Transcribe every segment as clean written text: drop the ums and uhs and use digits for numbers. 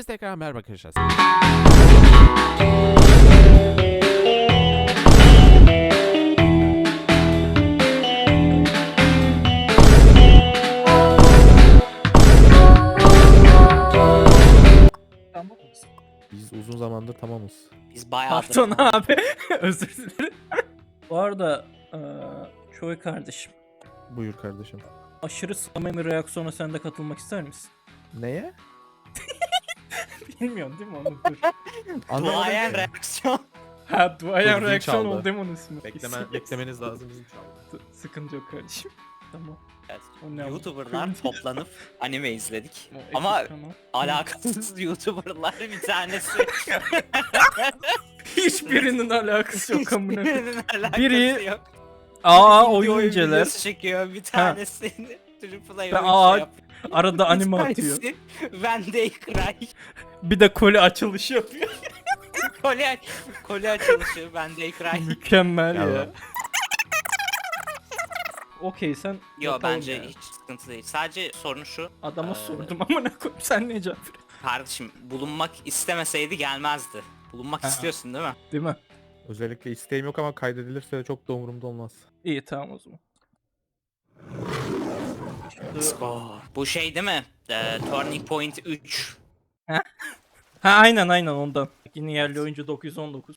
tekrar merhaba arkadaşlar. Tamam mısın? Biz uzun zamandır tamamız. Biz bayağıdır. Pardon abi. Özür dilerim. Bu arada Çoy kardeşim. Buyur kardeşim. Aşırı samimi reaksiyona sen de katılmak ister misin? Neye? Bilmiyorum değil mi onu? Dur. Duayen ki. reaksiyon. Ha duayen Dur, zil reaksiyon çaldı. oldu değil mi onun ismi? Beklemeniz lazım bizim çaldı. Sıkıntı yok kardeşim. Tamam. Evet. O ne YouTuber'lar toplanıp anime izledik. O Ama ekip kanal. alakasız YouTuber'lar bir tanesi. Hiçbirinin alakası yok amına. Hiçbirinin alakası Biri- yok. Aa Video oyun inceler. videosu çekiyor bir tanesi. Triple Ben A oyun aa, yapıyor. arada anime Bir atıyor. tanesi When They Cry. Bir de koli açılışı yapıyor. Koli açılışı When They Cry. Mükemmel Gel ya. lan. Okey sen Yo yapalım bence ya. hiç sıkıntı değil. Sadece sorun şu. Adama Ee, sordum amına koyayım sen ne cevap veriyorsun? Kardeşim bulunmak istemeseydi gelmezdi. Bulunmak Ha. istiyorsun değil mi? Değil mi? Özellikle isteğim yok ama kaydedilirse de çok da umurumda olmaz. İyi tamam o zaman. Bu şey değil mi? Turning Point 3. Ha aynen ondan. Yine yerli oyuncu 919.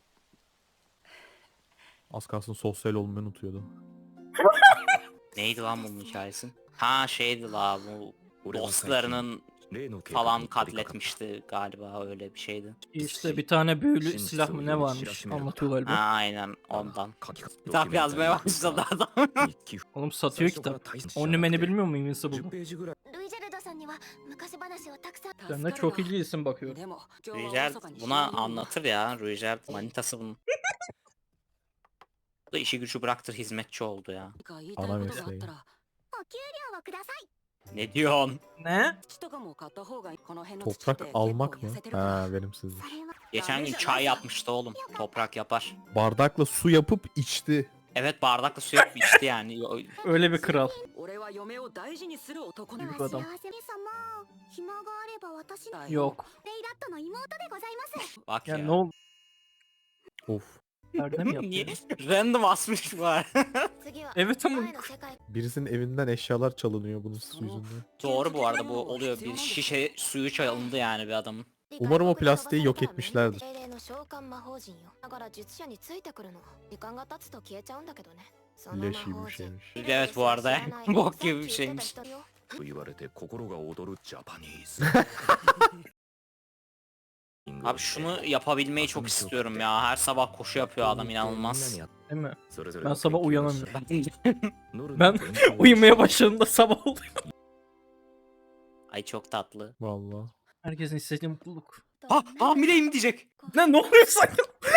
Az kalsın sosyal olmayı unutuyordum. Neydi lan bunun hikayesi? Ha şeydi la bu dostlarının falan katletmişti galiba öyle bir şeydi. İşte bir tane büyülü silah mı ne varmış anlatıyor Ha galiba. aynen ondan. Kitap yazmaya başladı adam. Oğlum satıyor kitap. Onlimen'i bilmiyor mu Invincible? ルイジェルドさんには昔話をたくさん Sen de çok ilgilisin bakıyorum. Rüjel buna anlatır ya. Rüjel manitası bunun. Bu da işi gücü bıraktır hizmetçi oldu ya. Ana mesleği. お給料をください Ne diyorsun? Ne? Toprak almak mı? Ha verimsizlik. それは Geçen gün çay yapmıştı oğlum. Toprak yapar. Bardakla su yapıp içti. Evet bardakla su yapıp içti yani. Öyle bir kral. では Büyük adam. 幸せに様暇があれば私の Yok. レイラットの妹でございます Bak Ya ya. ne oldu? Of. Nerede mi Niye? yapıyor? Random asmış var. 次は Evet ama 前の世界 Birisinin evinden eşyalar çalınıyor bunun su yüzünden. Doğru bu arada bu oluyor. Bir şişe suyu çalındı yani bir adamın. Umarım o plastiği yok etmişlerdir. 精霊の召喚魔法陣よだから術者についてくるの時間が経つと消えちゃうんだけどねその Leş 魔 gibi 法 bir 陣 şeymiş. Evet bu arada bok gibi bir şeymiş. と言われて心が躍るジャパニーズ Abi şunu yapabilmeyi çok istiyorum ya. Her sabah koşu yapıyor adam inanılmaz. değil mi? それぞれ Ben の sabah 研究の uyanamıyorum. ノルの Ben 勉強を uyumaya başladığımda sabah oluyor. Ay çok tatlı. Vallahi. Herkesin istediği mutluluk. Ha hamileyim diyecek. Ne oluyor sanki?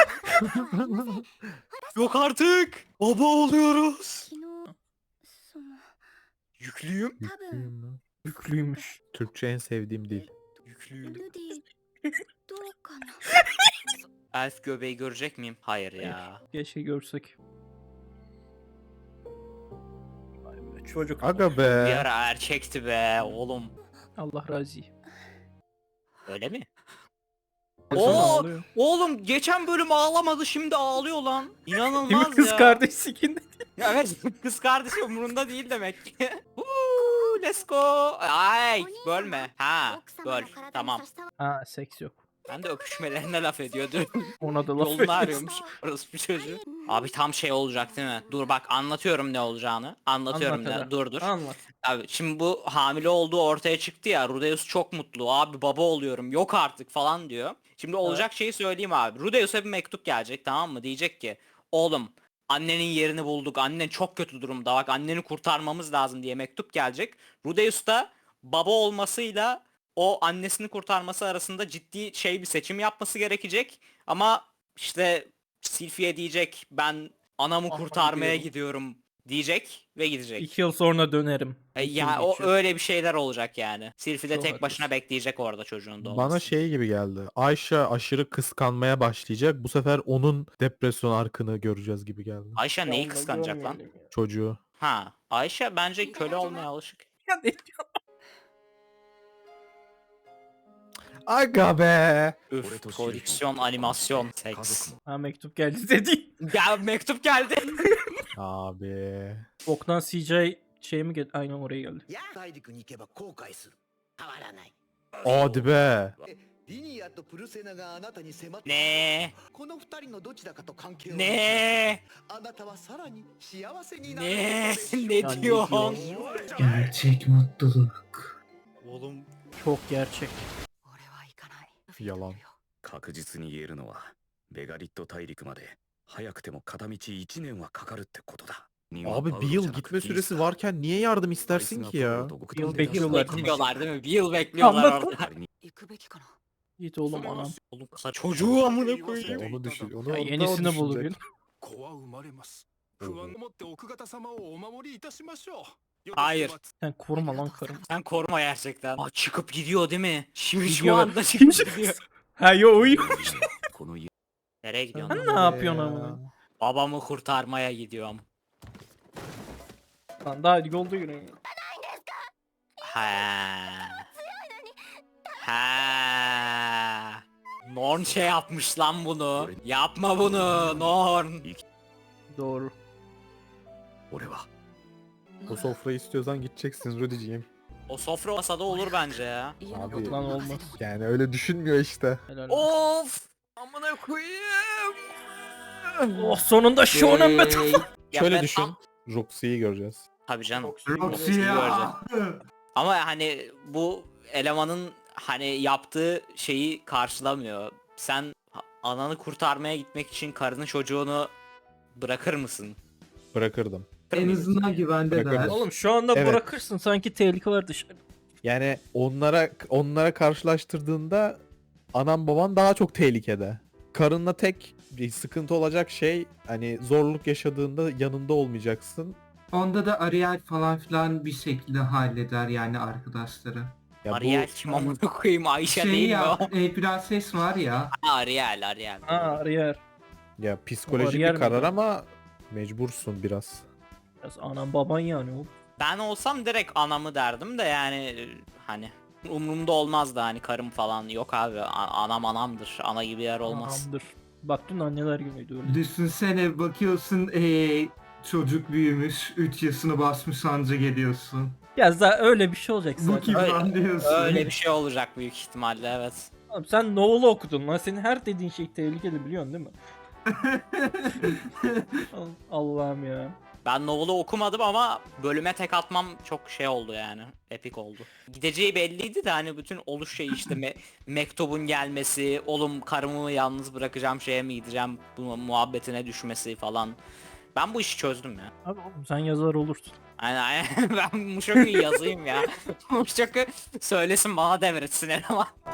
Yok artık. Baba oluyoruz. 昨日その Yüklüyüm. 多分 Yüklüyüm lan. Yüklüymüş. Türkçe en sevdiğim dil. Yüklüyüm. ルディどうかな Elf göbeği görecek miyim? Hayır ya. Keşke görsek. Vay be, çocuk. Aga Bir be. ara erkekti be oğlum. Allah razı. Öyle mi? Sonra Oo, ağlıyor. oğlum geçen bölüm ağlamadı şimdi ağlıyor lan. Değil mi İnanılmaz kız ya. kardeş sikindi? Evet kız kardeşi umurunda değil demek ki. Woo, let's go. Ay bölme. Ha 奥様 böl. の体に Tamam. 差し障 Ha seks yok. Ben de öpüşmelerine laf ediyordu. Ona da laf Yolunu ediyorsun. arıyormuş. Orası bir çocuğu. Abi tam şey olacak değil mi? Dur bak anlatıyorum ne olacağını. Anlatıyorum Anlat hadi. dur. Anlat. Abi şimdi bu hamile olduğu ortaya çıktı ya. Rudeus çok mutlu. Abi baba oluyorum. Yok artık falan diyor. Şimdi olacak şeyi söyleyeyim abi. Rudeus'a bir mektup gelecek tamam mı? Diyecek ki oğlum annenin yerini bulduk. Annen çok kötü durumda. Bak anneni kurtarmamız lazım diye mektup gelecek. Rudeus da baba olmasıyla o annesini kurtarması arasında ciddi şey bir seçim yapması gerekecek. Ama işte Sylphie diyecek ben anamı Aha, kurtarmaya gidiyorum. gidiyorum diyecek ve gidecek. 2 yıl sonra dönerim. İki Ya yıl o geçiyor. öyle bir şeyler olacak yani. Sylphie de Çok tek başına haklısın. bekleyecek orada çocuğun doğmasını. Bana şey gibi geldi. Ayşe aşırı kıskanmaya başlayacak. Bu sefer onun depresyon arkını göreceğiz gibi geldi. Ayşe neyi Vallahi kıskanacak lan? görmeyelim ya. Çocuğu. Ha, Ayşe bence köle olmaya alışık. Ya ne diyor? Aga be. Üf, prodüksiyon, animasyon, seks. Ha mektup geldi dedi. Ya mektup geldi. Abi. Boktan CJ şey mi geldi? Aynen oraya geldi. 大陸に行けば後悔する変わらない Hadi be. リニアとプルセナがあなたに迫って Ne? この二人のどちらかと関係を Ne? あなたはさらに幸せになる Ne? ことでしょう Ne diyorsun? Gerçek mutluluk. Oğlum Çok gerçek. 俺は行かない Yalan. 確実に言えるのはベガリット大陸まで早くても片道1年はかかるってことだ。 Abi bir yıl gitme süresi varken niye yardım istersin ki ya? Bir yıl bekliyorlar. bekliyorlar değil mi? Bir yıl bekliyorlar Anladım. orada. 行くべきかな Git oğlum anam. Oğlum çocuğu amına koyayım. Onu düşün. Onu Ya o da yenisini o bul düşünecek. gün. 子は生まれます。不安を持って奥方様をお守りいたしましょう。 Hayır. Sen koruma lan karım. Sen koruma gerçekten. Aa, çıkıp gidiyor değil mi? Şimdi şu Gidiyor. anda çıkıp gidiyor. Ha yo uyuyor. この家 Nereye gidiyorsun? Sen ne yapıyorsun ama? Babamı kurtarmaya gidiyorum. Lan daha yolda yürüyorum. Ha. Ha. Norn şey yapmış lan bunu. Yapma bunu Norn. Doğru. 俺は O sofrayı istiyorsan gideceksin Rudy'ciğim. O sofra masada olur bence ya. Abi Lan olmaz. yani öyle düşünmüyor işte. Helal. Of. Amına koyayım. Oh sonunda Shonen Metal. Ya Şöyle ben- düşün. Roxy'yi göreceğiz. Tabii canım. Roxy Göreceğiz. ya. Ama hani bu elemanın hani yaptığı şeyi karşılamıyor. Sen ananı kurtarmaya gitmek için karının çocuğunu bırakır mısın? Bırakırdım. En azından güvendeler. Bırakırım. Oğlum şu anda Evet. bırakırsın sanki tehlike var dışarı. Yani onlara karşılaştırdığında anan baban daha çok tehlikede. Karınla tek bir sıkıntı olacak şey hani zorluk yaşadığında yanında olmayacaksın. Onda da Ariel falan filan bir şekilde halleder yani arkadaşları. Ya Ariel kim amına koyayım, Ayşe Şey değil mi ya, o? prenses var ya. Ha, Ariel. Ha arıyor. ya psikolojik Bariyer bir karar miydi? ama mecbursun biraz. Biraz anam baban yani o. Ben olsam direkt anamı derdim de yani hani umurumda olmazdı hani karım falan. Yok abi, anam anamdır. Ana gibi yer olmaz. Anamdır. Bak dün anneler günüydü öyle. Düşünsene bakıyorsun çocuk büyümüş 3 yaşını basmış anca geliyorsun. Ya zaten öyle bir şey olacak Bu zaten. kim lan diyorsun. Öyle bir şey olacak büyük ihtimalle, evet. Oğlum sen Noel'u okudun lan. Senin her dediğin şey tehlikeli biliyorsun değil mi? Allah'ım ya. Ben novel'ı okumadım ama bölüme tek atmam çok şey oldu yani. Epik oldu. Gideceği belliydi de hani bütün oluş şey işte mektubun gelmesi, oğlum karımı yalnız bırakacağım şeye mi gideceğim bu muhabbetine düşmesi falan. Ben bu işi çözdüm ya. Abi oğlum sen yazar olursun. Aynen ben Mushoku'yu yazayım ya. Mushoku söylesin bana devretsin eleman.